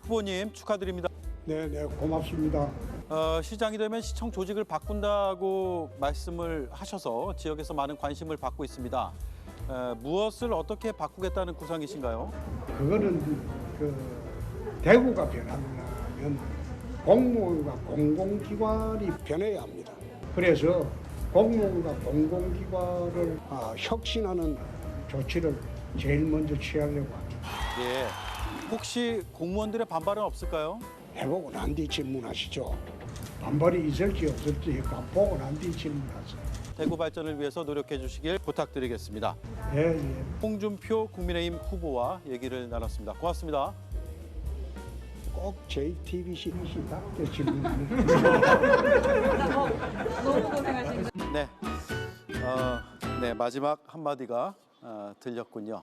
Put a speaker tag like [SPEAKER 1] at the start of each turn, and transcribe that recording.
[SPEAKER 1] 후보님 축하드립니다.
[SPEAKER 2] 네, 고맙습니다.
[SPEAKER 1] 시장이 되면 시청 조직을 바꾼다고 말씀을 하셔서 지역에서 많은 관심을 받고 있습니다. 무엇을 어떻게 바꾸겠다는 구상이신가요?
[SPEAKER 2] 그거는 대구가 변하려면 공무원과 공공기관이 변해야 합니다. 그래서 공무원과 공공기관을 혁신하는 조치를 제일 먼저 취하려고 합니다.
[SPEAKER 1] 예. 혹시 공무원들의 반발은 없을까요?
[SPEAKER 2] 해보고 난 뒤 질문하시죠. 반발이 있을지 없을지 보고 난 뒤 질문하세요.
[SPEAKER 1] 대구 발전을 위해서 노력해 주시길 부탁드리겠습니다.
[SPEAKER 2] 예.
[SPEAKER 1] 홍준표 국민의힘 후보와 얘기를 나눴습니다. 고맙습니다.
[SPEAKER 2] 꼭 JTBC 답게 질문하는
[SPEAKER 3] 너무 고생하신
[SPEAKER 1] 네, 네 마지막 한마디가 들렸군요.